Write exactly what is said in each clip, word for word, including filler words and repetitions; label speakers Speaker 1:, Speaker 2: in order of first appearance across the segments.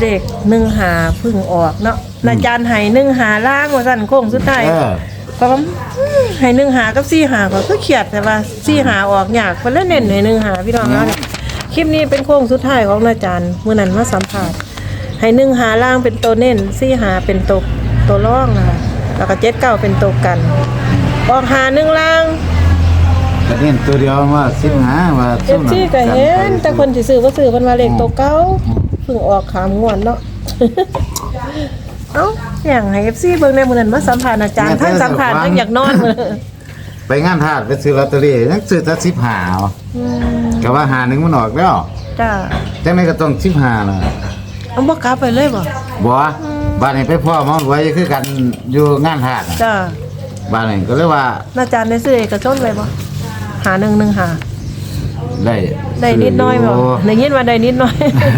Speaker 1: เลขหนึ่งหาพึ่งออกเนาะอาจารย์ให้หนึ่งหาล่างว่าสั่นโค้งสุดท้ายก็ว่าให้หนึ่งหากับสี่หาก็คือเขียดแต่ว่าสี่หาออกยากเพิ่นเลยเน้นให้หนึ่งหาพี่น้องเนาะคลิปนี้เป็นโค้งสุดท้ายของอาจารย์มื้อนั้นมาสัมภาษณ์ให้หนึ่งหาล่างเป็นตัวเน้นสี่หาเป็นตัวตัวรองนะคะแล้วก็เจ็ดเก้าเป็นตัวกันออกหาหนึ่งล่าง
Speaker 2: ก็เน้นตัวเดียวว่าสิบห้าว่า
Speaker 1: เอฟซีก็เห็นแต่คนสิซื้อบ่ซื้อเพิ่นว่าเลขตัวเก่าเพิ่งออกขามงวดเนาะ เอ้าอย่างให้ เอฟ ซี เบิ่งในมื้อนั้นมาสัมภาษณ์อาจารย์ท่านสัมภาษณ์ยังอยากนอนมื้อ
Speaker 2: ไปงานทาสไปซื้อลอตเตอรี่ยังซื้อแต่สิบห้าอ๋ออืมก็ว่าหาหนึ่งมันออกแล้ว
Speaker 1: จ้า
Speaker 2: จังได๋ก็ต้องสิบห้าล่ะ
Speaker 1: เอาบ่กลับไปเลยบ่
Speaker 2: บ่บ้านนี้ไปพ่อหมอรวยคือกันอยู่งานทาส
Speaker 1: จ้า
Speaker 2: บ้านนี้ก็เลยว่า
Speaker 1: อาจารย์ได้ซื้อเอกชนไว้บ่หาหนึ่งหนึ่งหา
Speaker 2: ได้
Speaker 1: ได้นิดน้อยบ่ได้ยินว่าได้นิดน้อย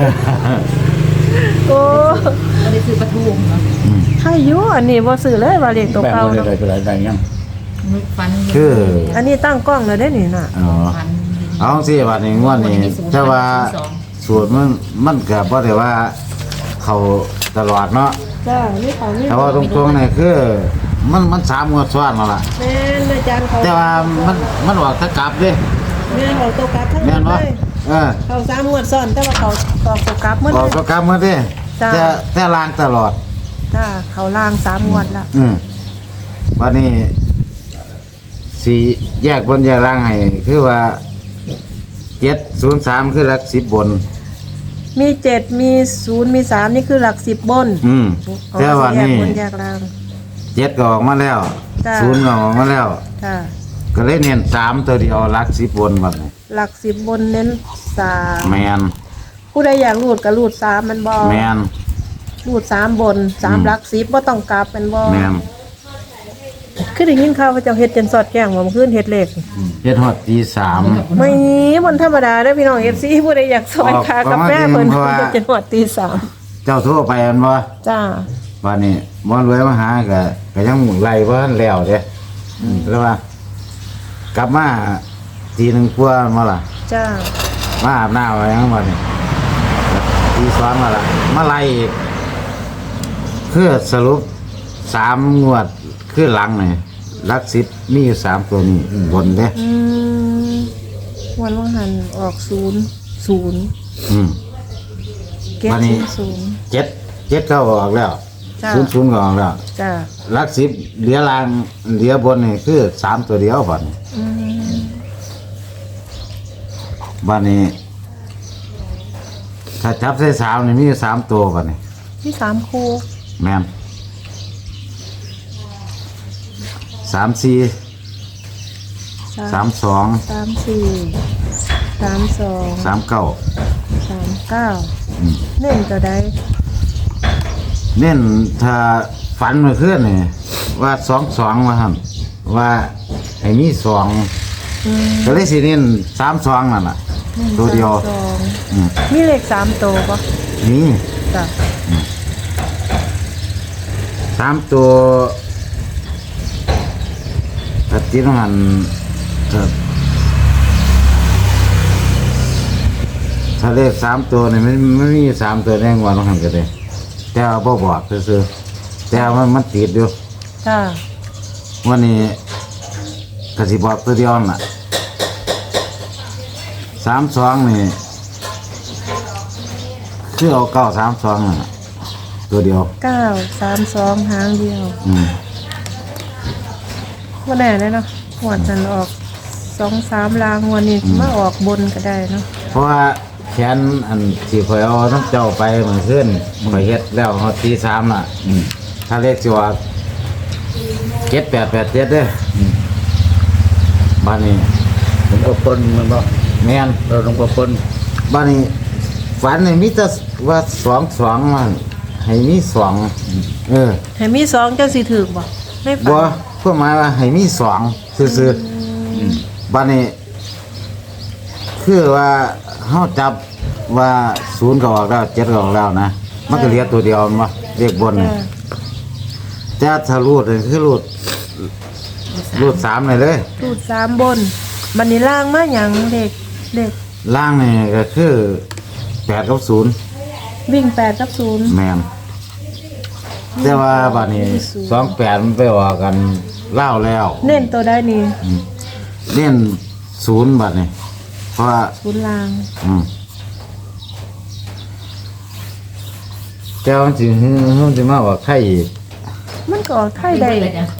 Speaker 1: โอ้
Speaker 3: บ่ได้ซื้อปลาทูเนาะ
Speaker 1: ใครอยู่อันนี้บ่ซื้อเลยว่าเลขตัวเก่าเนาะ
Speaker 2: ได้ได้ยัง
Speaker 3: ฟัน
Speaker 2: คือ
Speaker 1: อันนี้ตั้งกล้องแล้วได้นี่น่ะ
Speaker 2: อ๋อเอาสิบัดนี้งวดนี้แต่ว่าสูตรมันมันก็บ่ได้ว่าเข้าตลอดเนาะ
Speaker 1: จ้านี่ของนี่
Speaker 2: แต่ว่าตรงๆนี่คือมันมันสามงวดซ้อนแล้วล่ะ
Speaker 1: แม่นอาจารย์เขา
Speaker 2: แต่ว่ามันมันออกตะกลับเด้
Speaker 1: แม่นออกตัวกลับทั้งหมดเลย
Speaker 2: เออ
Speaker 1: เขาสามงวดซ้อนแต่ว่าเขาออกตัวกลับหมด
Speaker 2: ออกตัวกลับหมดเด้แต่แต่ล้างตลอด
Speaker 1: จ้าเขาล้างสามงวดแล้ว
Speaker 2: อืมวันนี้สิแยกบนแยกล่างให้คือว่าเจ็ดศูนย์สามคือหลักสิบบน
Speaker 1: มีเจ็ดมีศูนย์มีสามนี่คือหลักสิบบน
Speaker 2: อืมแต่วันนี้เจ็ดก็ออกมาแล้วศูนย์ก็ออกมาแล้วก็เลยเน้นสามตัวเดียวหลักสิบบนบัดนี้
Speaker 1: หลักสิบบนเน้นสาม
Speaker 2: แมน
Speaker 1: ผู้ใดอยากรูดก็รูดสามมันบอ
Speaker 2: แมน
Speaker 1: รูดสามบนสามหลักสิบบ่ต้องกลับเป็นบอ
Speaker 2: แมน
Speaker 1: คือได้ยินข่าวว่าเจ้าเฮ็ดจนสอดแจ้งว่าเมื่อคืนเฮ็ดเลข
Speaker 2: เฮ็ดฮอดตีสาม
Speaker 1: ไม่มันธรรมดาเด้อพี่น้อง เอฟ ซี ผู้ใดอยากซอยคากาแฟเพิ่นเฮ็ดจนฮอดตีสาม
Speaker 2: เจ้าโทรไปอันบ่
Speaker 1: จ้า
Speaker 2: วันนี้บ่รวยมาหาก็ก็ยังไล่บ่ทันแล้วเด้แล้วว่ากลับมาทีนึงกว่ามาล่ะ
Speaker 1: จ้า
Speaker 2: มาอาบน้ำอะไรยังบัดนี้ตีสองมาล่ะมาไล่อีกคือสรุปสามงวดคือหลังนี่หลักสิบมีอยู่สามตัวนี้บนเด้
Speaker 1: อืมวันว่าหันออกศูนย์ศูนย์
Speaker 2: อืม
Speaker 1: เก็บศูนย์
Speaker 2: เจ็ดเจ็ดก็ออกแล้วศูนย์ศูนย์ก็ออกแล้ว
Speaker 1: จ้า
Speaker 2: หลักสิบเหลือล่างเหลือบนนี่คือสามตัวเดียวบัดนี้
Speaker 1: อืม
Speaker 2: บัดนี้ถ้าจับใส่สามนี่มีอยู่สามตัวบัดนี้
Speaker 1: มีสามคู่
Speaker 2: แม่นสามสี่สามสอง
Speaker 1: สามสี่สามสอง
Speaker 2: สามเก้า
Speaker 1: สามเก้าเน้นตัวใด
Speaker 2: เน้นถ้าฝันเมื่อคืนนี่ว่าสองสองว่าครับว่าให้มีสองก็เลยสิเน้นสามสองนั่นแหละตัวเดียว
Speaker 1: มีเลขสามตัวปะ
Speaker 2: นี่
Speaker 1: จ้ะ
Speaker 2: สามตัวถ้าตีน้ำมันถ้าเลขสามตัวนี่มันไม่มีสามตัวแน่งวันต้องหันกันเลยแต่เอาบ่บอกซื้อแต่มันมันติดอยู่
Speaker 1: จ้า
Speaker 2: วันนี้กสิบอกตัวเดียวน่ะสามสองนี่คือเอาเก้าสามสองน่ะตัวเดียว
Speaker 1: เก้าสามสองหางเดียว
Speaker 2: อืม
Speaker 1: วันไหนเลยเนาะหัวจันออกสองสามลางวันนี้มาออกบนก็ได้เนาะ
Speaker 2: เพราะว่าแขนอันที่ข่อยเอาน้ำเจ้าไปเหมือนขึ้นข่อยเฮ็ดแล้วเขาตีสามน่ะถ้าเลขสิว่าเจ็ดแปดแปดเจ็ดเด้อบ้านนี้
Speaker 4: ผมก็ปนมันบ่
Speaker 2: แม่น
Speaker 4: เราต้องก็ปน
Speaker 2: บ้านนี้ฝันนี่มีแต่ว่าสองสองมันให้มีสองเออ
Speaker 1: ให้มีสองเจ้าสิถือบ่ไม่ฝัน
Speaker 2: บ่เพื่อหมายว่าให้มีสองซื่อๆบ้านนี้คือว่าเฮาจับว่าศูนย์ก็ออกแล้วเจ็ดก็ออกแล้วนะมันก็เหลือตัวเดียวมั้ยเลขบนนี่แต่ถ้ารูดนี่คือรูดรูดสามเลยเลย
Speaker 1: รูดสามบนบัดนี้ล่างมาหยังเด็กเด็ก
Speaker 2: ล่างนี่ก็คือแปดกับศูนย์
Speaker 1: วิ่งแปดกับศูนย์
Speaker 2: แม่นแต่ว่าบัดนี้สองแปดมันไปออกกันเล่าวแล้ว
Speaker 1: เน้นตัวได้นี่
Speaker 2: เล่นศูนย์บัดนี้เพราะว่า
Speaker 1: ศูนย์ลาง
Speaker 2: อืมแต่ว่ามันสิฮึมันสิมาว่าใครอีก
Speaker 1: มันก็ออกไทย
Speaker 3: ได้
Speaker 1: ได้
Speaker 3: เลยจ้ะ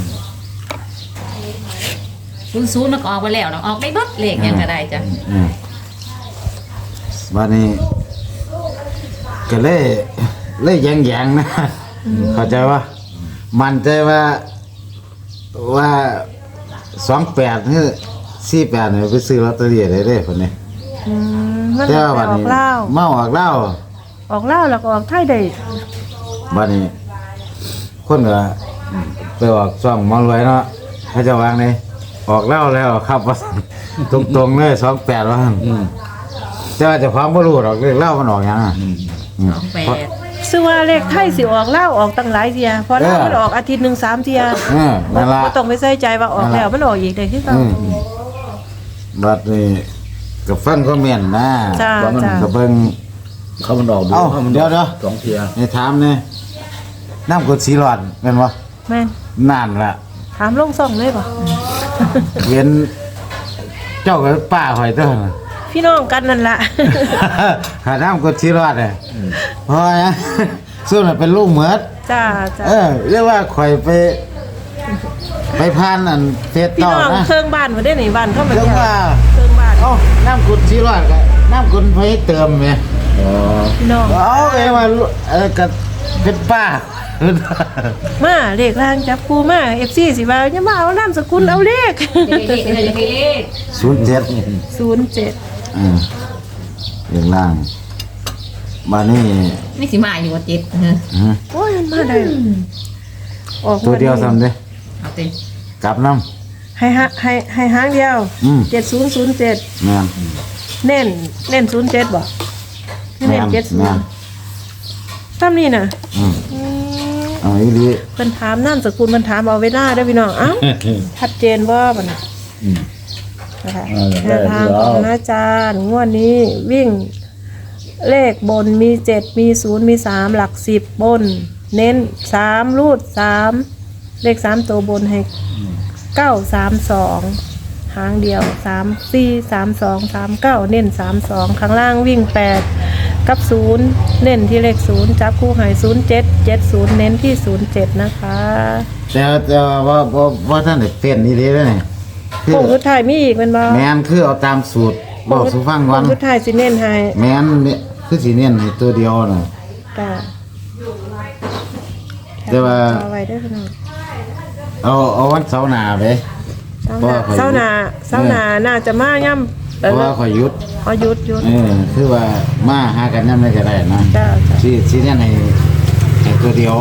Speaker 3: ศูนย์ศูนย์มันก็ออกไปแล้วเนาะออกได้เบิดเลขยังก็ได้จ้ะ
Speaker 2: อืมบัดนี้ก็เลยเลยแยงๆนะเข้าใจว่ามันใจว่าว่าสองแปดคือสี่แปดเนี่ยไปซื้อลอตเตอรี่ได้เลยคนนี้
Speaker 1: อืมมัน
Speaker 2: แต่
Speaker 1: อ
Speaker 2: ว่าบัด
Speaker 1: อก
Speaker 2: นี้
Speaker 1: เล่าว
Speaker 2: เมาออกเหล้า
Speaker 1: ออกเล่าวแล้วก็ออกไทยได้
Speaker 2: บัดนี้ คนก็ไปออกช่องหมอรวยเนาะเขาจะวางเลยออกเหล้าแล้วครับว่า ตรงๆเลยสองแปดว่า
Speaker 4: อืม
Speaker 2: แต่ว่าเจะความบ่รู้หรอกเรื่องเหล้ามันออกหยังอะ
Speaker 4: อืม
Speaker 2: อืม
Speaker 3: สองแปด
Speaker 1: ซึ่งว่าเลขไทยสิออกเล่าวออกตั้งหลายเทียเพราะเล่าว
Speaker 2: เออ
Speaker 1: มันออกอาทิตย์หนึ่งสามเทีย
Speaker 2: เออนั่นล่ะ
Speaker 1: บ่ต้องไปใส่ใจว่าออกแล้วมันออกอีกได้คือเก่า
Speaker 2: อืมบัดนี้ก็ฟังคอมเมนต์นะ
Speaker 1: จ้า
Speaker 2: ว่ามัน
Speaker 1: จ้า
Speaker 2: ก็เบิ่ง
Speaker 4: เขามันออกดู
Speaker 2: เอ้า
Speaker 4: เขามัน
Speaker 2: เดี๋ยวเดี๋ยว
Speaker 4: สองเทีย
Speaker 2: ให้ถามเนี่ยน้ำกรดสีหลอดแม่นบ่
Speaker 1: แม่น
Speaker 2: นั่นล่ะ
Speaker 1: ถามลงซ่องเลยป่ะ
Speaker 2: เห็นเจ้ากับป้าหอยเต้น
Speaker 1: พี่น้องกันนั่นล่ะ
Speaker 2: หาน้ำกดชีรอดเลยเพราะว่าส่วนนั้นเป็นลูกเหมือด
Speaker 1: จ้าจ้า
Speaker 2: เออเรียกว่าข่อยไป ไปพานอันเฟส
Speaker 1: พี่
Speaker 2: ต่อ
Speaker 1: น้อง
Speaker 2: นะ
Speaker 1: เครื่องบ้านมาได้หนิบ้านเข้ามา
Speaker 2: เรียก
Speaker 1: เที่ยว
Speaker 2: ว่า
Speaker 1: เครื่องบ้าน
Speaker 2: เอ้าน้ำกดชีรอดกับน้ำกดไฟเติมไง
Speaker 4: อ๋อ
Speaker 1: พี่น้อง
Speaker 2: เอาเอ้ว่าเออกับเป็นป้า
Speaker 1: มาเลขล่างจับกูมา เอฟ ซี สิว่าอย่ามาเอานามสกุลเอาเลข
Speaker 3: เลขเลขเลข
Speaker 2: ศูนย์เจ็ด
Speaker 1: ศูนย์เจ็ด
Speaker 2: อืมอย่างล่างมานี่
Speaker 3: นี่สิมาอยู่ว่าเจ็ดเออ
Speaker 2: อืม
Speaker 1: โอ้ยมันมาได้ออก
Speaker 2: ตัวเดียวซ้ำเด้
Speaker 3: เอาเต็ม
Speaker 2: กลับน้
Speaker 1: ให้ฮะให้ให้หางเดียว
Speaker 2: อืม
Speaker 1: เจ็ดศูนย์ศูนย์เจ็ด
Speaker 2: ำแม่น
Speaker 1: เน้นเน้นศูนย์เจ็ดบ่เน้นเจ็ดศู
Speaker 2: แม่
Speaker 1: น
Speaker 2: น
Speaker 1: ย์ซ้ำนี่น่ะ
Speaker 2: อืม
Speaker 1: อืม
Speaker 2: เอาอีหลี
Speaker 1: เพิ่นถามนามสกุลเพิ่นถามเอาเวลาเด้อพี่น้องเอ้าชัดเจนบ่บัดนี้
Speaker 4: อืม
Speaker 1: นะคะ
Speaker 4: เออ
Speaker 1: แนวทางของอาจารย์งวดนี้วิ่งเลขบนมีเจ็ดมีศูนย์มีสามหลักสิบบน เน้นสามรูดสามเลขสามตัวบนให้เก้าสามสองหางเดียวสามสี่สามสองสามเก้าเน้นสามสองข้างล่างวิ่งแปดกับศูนย์เน้นที่เลขศูนย์จับคู่หายศูนย์เจ็ดเจ็ดศูนย์เน้นที่ศูนย์เจ็ดนะคะ
Speaker 2: แต่แต่ว่าว่าว่าท่านได้เต้นนี่ดีเลยนี่คือ
Speaker 1: โค้งสุดท้ายมีอีกเป็นบ่
Speaker 2: แมนคือเอาตามสูตรบอกสุฟังก่อน
Speaker 1: โค้งสุดท้ายสิเน้นให้
Speaker 2: แมนเนี่ยคือสีเนียนให้ตัวเดียวน่ะ
Speaker 1: จ้า
Speaker 2: แต่ว่า
Speaker 1: เอาไว้ได้อพี่น้อง
Speaker 2: เอาเอาวันเสาร์หน้าไป
Speaker 1: เศร้า
Speaker 2: เพราะว่า
Speaker 1: เศร้าหนาเศร้าหนาน่าจะมาย่ำ
Speaker 2: เพราะว่าข่อยหยุด
Speaker 1: เอาหยุดหยุด
Speaker 2: เออคือว่ามาหากันยังไม่ก็ได้นะ
Speaker 1: จ้าจ้า
Speaker 2: สีสีเนียนให้ให้ตัวเดียว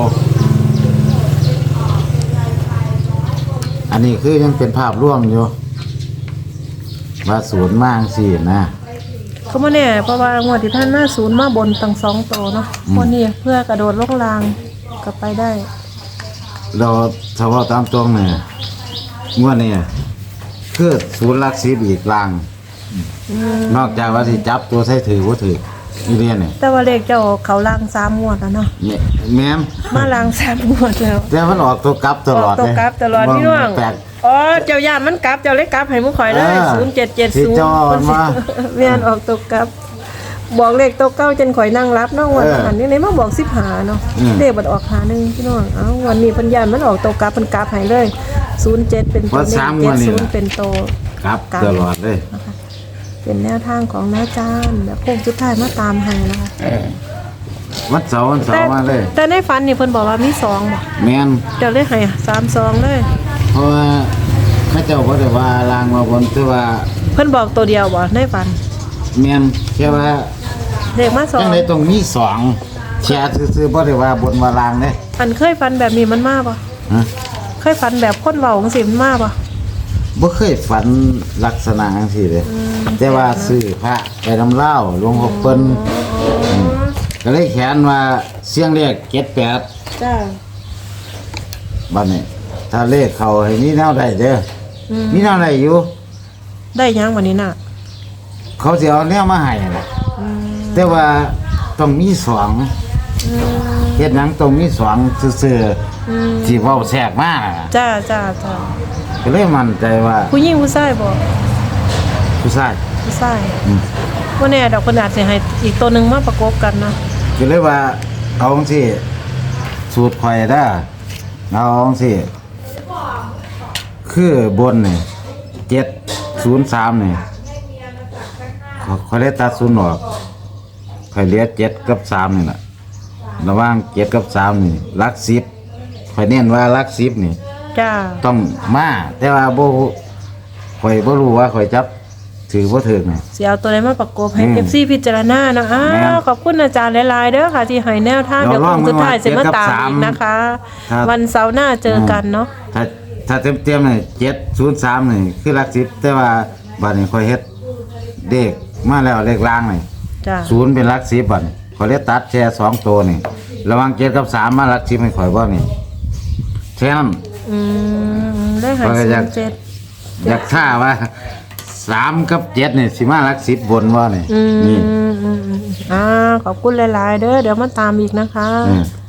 Speaker 2: อันนี้คือยังเป็นภาพร่วมอยู่ว่าศูนย์มากสินะ
Speaker 1: เขามาแน่เพราะว่างวดที่ท่านมาศูนย์มาบนตั้งสองโตวเนาะวันนี้เพื่อกระโดดลงรางกลับไปได้
Speaker 2: เราถ้าว่าตามตรงเนี่ยงวดนี้คือศูนย์หลักสิบอีกลาง นอกจากว่าสิจับตัวใส่ถือว่าถือนี่เรียนเนี่ย
Speaker 1: แต่ว่าเลขเจ้าเขาลางสามงวดแล้วเนาะ
Speaker 2: แม่แม่ม
Speaker 1: มาลางสามงวดแล้ว
Speaker 2: แต่มันออกตัวกลับตลอด
Speaker 1: ออกตัวกลับตลอดพี่น้อง
Speaker 2: แปลก
Speaker 1: อ๋อเจ้าย่านมันกลับเจ้าเล็กกลับให้มุข่อยเลย
Speaker 2: เออ
Speaker 1: ศูนย์เจ็ดเจ็ด
Speaker 2: ที่
Speaker 1: ศูนย์
Speaker 2: เจ้าเอามา
Speaker 1: เวียนออกตัวกลับ บอกเลขตัวเก้าจนข่อยนั่งรับเนาะวัน
Speaker 2: เออ
Speaker 1: หันนี่ไหนมาบอกสิบหาเนาะ
Speaker 2: อืม
Speaker 1: เลขบัดออกหาหนึ่งพี่น้องเอ้าวันนี้เพันยานมันออกตัวกลับมันกลับให้เลยศูนย์เจ็ดเป็นตัว
Speaker 2: ว่า
Speaker 1: เน้
Speaker 2: สาม
Speaker 1: น
Speaker 2: ง
Speaker 1: เจ็
Speaker 2: ว
Speaker 1: ด
Speaker 2: ดนี่
Speaker 1: ศูนย์เป็นตัว
Speaker 2: กลับตลอดเลย
Speaker 1: เป็นแนวทางของน้าจานแบบโค้งสุดท้ายมาตามให้นะคะ
Speaker 2: วันเสาร์วันเสา
Speaker 1: แต่
Speaker 2: ร์มาเลย
Speaker 1: แต่ในฝันนี่เพิ่นบอกว่ามีสองบ่
Speaker 2: แม่น
Speaker 1: เจ้าเลยให้สามสองเลย
Speaker 2: เพราะว่าพระเจ้าก็ได้ว่าลางมาบนคือว่า
Speaker 1: เพิ่นบอกตัวเดียวบ่ในฝัน
Speaker 2: แม่นแค่ว่า
Speaker 1: เลขมาสอ
Speaker 2: จั
Speaker 1: ง
Speaker 2: งไดตรงมีสองแชร์ซื่อๆบ่ได้ว่าบนว่าลางเด้
Speaker 1: อันเคยฝันแบบนี้มันมาบ่
Speaker 2: ฮะ
Speaker 1: เคยฝันแบบคนเว้าจังซี่มันมาบ่
Speaker 2: บ่เคยฝันลักษณะจังซี่เลยแต่ว่าซื้อพระไปนำเล่าหลวงพ่อเปิ้นมก็เลยเขียนว่าเสียงเลขเจ็ดแปด
Speaker 1: จ้า
Speaker 2: บัดนี้ถ้าเลขเขาให้มีแนวใดเด้อ
Speaker 1: อืม
Speaker 2: มีแนวใดอยู่
Speaker 1: ได้ยังวันนี้น่ะ
Speaker 2: เขาสิเอาแนวมาให้น่ะ
Speaker 1: อืม
Speaker 2: แต่ว่าไปต้องมีสองเฮ็ดหยังต้องมีสองซื่อ
Speaker 1: อืม
Speaker 2: ๆที่เว้าแทรกมาน่ะ
Speaker 1: จ้าจ้าจ้า
Speaker 2: ก็เลยมั่นใจว่า
Speaker 1: ผู้หญิงผู้ชายบ่
Speaker 2: ผู้ชาย
Speaker 1: ผู้ชาย
Speaker 2: อืม
Speaker 1: บ่แน่ดอกเพิ่นอาจสิให้อีกตัวหนึงมาประกบกันนะ
Speaker 2: ก็เลยว่าเอาจังซี่สูตรข่อยเด้อเอาจังซี่คือบนนี่เจ็ดศูนย์สามนี่ข่อยเลยตัดศูนย์ออกข่อยเหลือเจ็ดกับสามนี่ล่ะระหว่างเจ็ดกับสามนี่หลักสิบข่อยเน้นว่าหลักสิบนี่
Speaker 1: จ้า
Speaker 2: ต้องมาแต่ว่าบ่ข่อยบ่รู้ว่าข่อยจับถือบ่ถือนี่
Speaker 1: สิเอาตัวใดมาประกบให้
Speaker 2: อืม
Speaker 1: เอฟ ซี พิจารณาเนาะอ้า
Speaker 2: แม่
Speaker 1: วน ขอบคุณอาจารย์หลายๆเด้อค่ะ ที่ให้แนวทาง
Speaker 2: เดี๋
Speaker 1: เดี๋ย
Speaker 2: ยว ว
Speaker 1: คงสุดท้าย
Speaker 2: ลอง
Speaker 1: สิมาตาม
Speaker 2: เจ็ดกับสาม
Speaker 1: อีกนะคะ
Speaker 2: ครับ
Speaker 1: วันเสาร์หน้าเจอกันเนาะ
Speaker 2: ถ้าถ้าเต็มๆนี่เจ็ดศูนย์สามนี่คือหลักสิบแต่ว่าบัดนี้ข่อยเฮ็ดเลขมาแล้วเลขล่างนี่
Speaker 1: จ้า
Speaker 2: ศูนย์เป็นหลักสิบบัดนี้ข่อยเลยตัดแค่สองตัวนี่ระหว่างเจ็ดกับสามมาหลักสิบให้ข่อยบ่นี่แค่นั้น
Speaker 1: อืมได้หา
Speaker 2: ข้อยก็
Speaker 1: ศู
Speaker 2: อยาก
Speaker 1: นย์เจ็ด
Speaker 2: อยากท่าว่าสามกับเจ็ดนี่สิมาหลักสิบบนบ่นี่
Speaker 1: อืม
Speaker 2: นี่
Speaker 1: อืมอืมอ่าขอบคุณหลายๆเด้อเดี๋ยวมาตามอีกนะคะ
Speaker 2: อืม